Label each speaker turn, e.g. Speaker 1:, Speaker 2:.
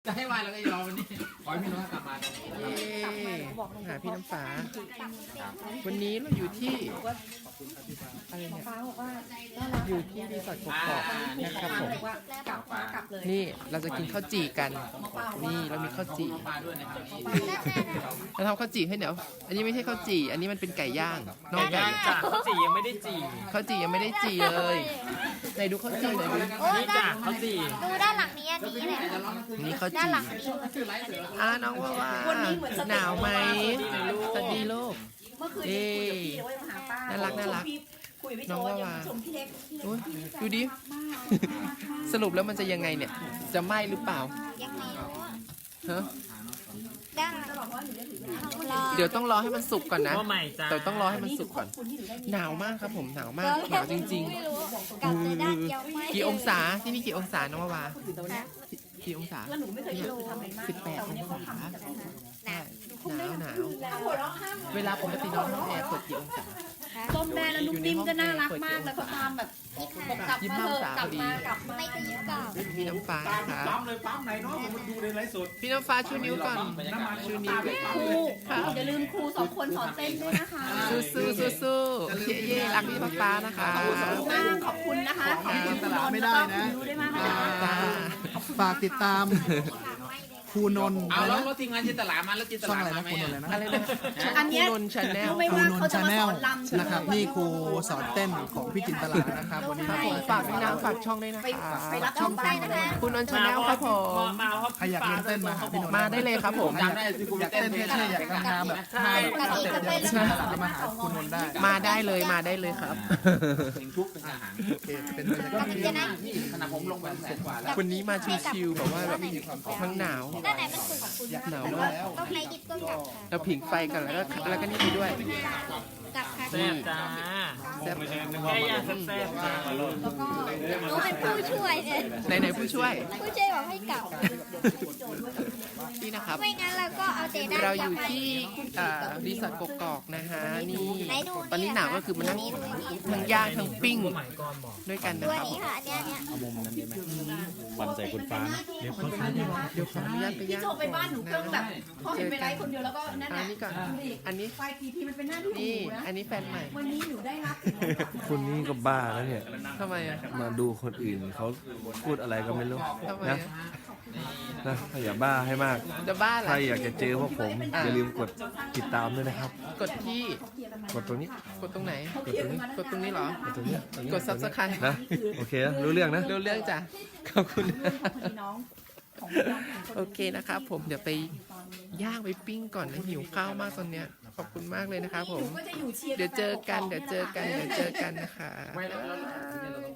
Speaker 1: จะให้วายแล้วก็ยอมวันนี้ขอให้พี่น้องกลับมาตรงนี้นะครับ
Speaker 2: หาพี่น้ำฟ้า วันนี้เราอยู่ที่อะไรเนี่ยอยู่ที่รีสอร์ทกอกๆนะครับผมนี่เราจะกินข้าวจี่กันนี่เรามีข้าวจี่
Speaker 1: มาด้วยนะครับ
Speaker 2: เราทำข้าวจี่ให้เดี๋ยวอันนี้ไม่ใช่ข้าวจี่อันนี้มันเป็นไก่ย่างน้องไก่
Speaker 3: จ้ะข้าวจี่ยังไม่ได้จี่
Speaker 2: ข้าวจี่ยังไม่ได้จี่เลยไหนดูข้าวจี่หน่อยดิ
Speaker 3: นี่จ้ะข้าวจี่
Speaker 4: ดูด้านหลังนี้อันนี้เลย
Speaker 2: นี่ข้าว
Speaker 4: ด้าน
Speaker 2: จี่
Speaker 4: หลังนี้
Speaker 2: น้องว่าหนาวไหมสวัสดีลูก
Speaker 5: เมื่อคืนนี้คุยกับพี่ว่าจะมาหาป้า
Speaker 2: น่ารักน่ารัก
Speaker 5: คุยกับพี่
Speaker 2: น้
Speaker 5: โจ
Speaker 2: องว่า
Speaker 5: ยัง
Speaker 2: ว่า
Speaker 5: ชมพี่เล็ก
Speaker 2: โอ้ยดูดิ สรุปแล้วมันจะยังไงเนี่ย จะไหม้หรือเปล่า
Speaker 4: ยังไม่รู้อะ
Speaker 2: ฮะ
Speaker 4: ด้านหลังรอ
Speaker 2: เดี๋ยวต้องรอให้มันสุกก่อนนะ
Speaker 3: ว่าใหม่จ้า
Speaker 2: แต่ต้องรอให้มันสุกก่อน หนาวมากครับผมหนาวมากหนาวจริง
Speaker 4: ไม่รู้กลับเลยด้านเดียวไม่
Speaker 2: ๆ กี่องศาที่นี่กี่องศาน้องวาวากี่องศา
Speaker 5: แล้วหนูไม่เคยเจอทำอะไรมาก
Speaker 2: 18องศาใช่หนาว
Speaker 5: หัวเราะห้าม
Speaker 2: เวลาปกติน้องห้องแอร์เปิดกี่องศา
Speaker 5: ส้มแม่แล้วนุ่มนิ่มก็น่ารักมากแล้วก็ตามแบบกลับมาเถอะกลับมากลับมา
Speaker 4: ไม่จะยิ้มเปล่า
Speaker 2: พี่น้ำฟ้าครับ
Speaker 1: ปั๊มเลยปั๊มไหนเนาะผมดูในไลฟ์สด
Speaker 2: พี่น้ำฟ้าชูนิ้วก่อนชูนิ้ว
Speaker 5: ครูอย่าลืมครูสองคนสอนเต้นด้วยนะคะ
Speaker 2: สู้เย่รักพี่ฟ้านะคะ
Speaker 5: มากขอบคุณนะคะขอบคุณคุณนนท์แล้วก็คุณยูด้วยมากนะคะ
Speaker 2: จ้า
Speaker 6: ฝากติดตามครูนนท์
Speaker 1: เอาแล้วรถทีมงานจินตลามาแล้วจินต
Speaker 6: ช่อง
Speaker 1: ลา
Speaker 6: อะไร
Speaker 1: มา
Speaker 6: นะ
Speaker 1: ไหม
Speaker 6: ครูนนท์อะไรนะ
Speaker 2: อะไรนะ
Speaker 5: อันเนี้ย
Speaker 2: นนชาแนล
Speaker 5: รู้ไหม
Speaker 6: ครู
Speaker 5: ว่าน
Speaker 6: น
Speaker 5: เขา
Speaker 6: ท์
Speaker 5: จะ
Speaker 6: ชา
Speaker 5: มา
Speaker 6: แน
Speaker 5: ส
Speaker 6: ล
Speaker 5: อนลำ
Speaker 6: นะครับนี่ครูสอนเต้นของพี่จินตลานะครับวันนี้
Speaker 2: ครับผมฝากด้วยนะฝากช่องด้วยนะ
Speaker 5: ไป
Speaker 2: คะ
Speaker 5: ไปรับ
Speaker 4: ช่องไปนะคะ
Speaker 2: คุณนนชาแนลครับผม
Speaker 3: มาครับ
Speaker 6: ใครอยากเรียนเต้นมาหาพี่นนท์
Speaker 2: มาได้เลยครับผม
Speaker 1: จำได้ที่คุณ
Speaker 6: อยาก
Speaker 1: เต้
Speaker 6: เต้
Speaker 1: น
Speaker 6: น
Speaker 1: เพลง
Speaker 6: เท่ๆอยากทำแบบท่าแบบสเต็ปเดียวกับพี่จินตลาก็มาหาครูนนท์ได้
Speaker 2: มาได้เลยครับ
Speaker 1: เพลงทุกเป็นอาหาร
Speaker 6: โอเคเป็นบรรยากาศที่
Speaker 4: จะได้
Speaker 1: นี่ขนาดผมลงไปแสนกว่าแล้ว
Speaker 2: วันนี้มาชิวๆแบบว่าแบบทั้งหนาว
Speaker 4: ด้านไหนมันสุดของคุณ
Speaker 2: หนาว
Speaker 4: แต่
Speaker 2: มา
Speaker 4: ว่าก ต้องใครดิบก็กลับค่ะ
Speaker 2: เราผิงไฟกันแล้วก็นี่ไปด้วย
Speaker 4: กลับค่ะ
Speaker 3: แซ่บจ้า
Speaker 2: แซ่บ
Speaker 3: แค่ย่างแซ่บๆจ้า
Speaker 4: หนูเป็นผู้ช่วยเนี่ย
Speaker 2: ไหนผู้ช่วย
Speaker 4: ผู้ช่วยบอกให้กลับ
Speaker 2: นี่นะครับ
Speaker 4: ไม่งั้นเราก็เอาเตด้าน
Speaker 2: เราอ
Speaker 4: เดียว
Speaker 2: ยู่
Speaker 4: ไป
Speaker 2: ที่รีสอร์ทกกอกนะฮะนี่
Speaker 4: ไหนดู
Speaker 2: ตอนนี้หนาวก็คือมานั่ง
Speaker 4: ดูนี่
Speaker 2: ทั้งย่างทั้งปิ้ง
Speaker 3: ใหม่ก่อนบอก
Speaker 2: ด้วยกัน
Speaker 4: ดู
Speaker 2: นะ
Speaker 4: อั
Speaker 2: คน รับ
Speaker 4: นี้ค่ะอันเนี้ย
Speaker 7: วันใส่คุณฟ้านะ
Speaker 2: เดี๋ยวขออนุญาตไป
Speaker 5: พี่
Speaker 2: ย่าง
Speaker 5: โจไปบ้านหนูเครื่องแบบพอเห็นไปไลฟ์คนเดียวแล้วก็นั่น
Speaker 2: อั
Speaker 5: น่ะ
Speaker 2: นนี้ก่อนอันนี้
Speaker 5: ไฟทีมันเป็นหน้าที่ของ
Speaker 2: นี่
Speaker 5: หนูนะ
Speaker 2: อันนี้แฟนใหม่
Speaker 5: วันนี้หนูได้รับ
Speaker 7: คุณนี่ก็บ้าแล้วเนี่ย
Speaker 2: ทำไมอ่ะ
Speaker 7: มาดูคนอื่นเขาพูดอะไรก็ไม่รู้
Speaker 2: ทำไม
Speaker 7: นะ
Speaker 2: อ่ะ
Speaker 7: นะอย่าบ้าให้มาก
Speaker 2: จะบ้าเหร
Speaker 7: ใคร
Speaker 2: อ
Speaker 7: อยากจะเจอพวกผม อย่าลืมกดติดตามด้วยนะครับ
Speaker 2: กดที่
Speaker 7: กดตรงนี้
Speaker 2: กดตรงไหน กดตรงนี้เหรอ
Speaker 7: กดตรงนี้ตรงนี้
Speaker 2: กด subscribe
Speaker 7: นะโอเคนะรู้เรื่องนะ
Speaker 2: เรื่องจ้ะขอบคุณ
Speaker 5: พี่น้องของน้อง
Speaker 2: โอเคนะครับผมเดี๋ยวไปย่างไปปิ้งก่อนนะหิวข้าวมากตอนเนี้ยขอบคุณมากเลยนะครับผม
Speaker 5: ก็จะอยู่เชียร์
Speaker 2: เดี๋ยวเจอกันนะคะ
Speaker 1: ไม่เรา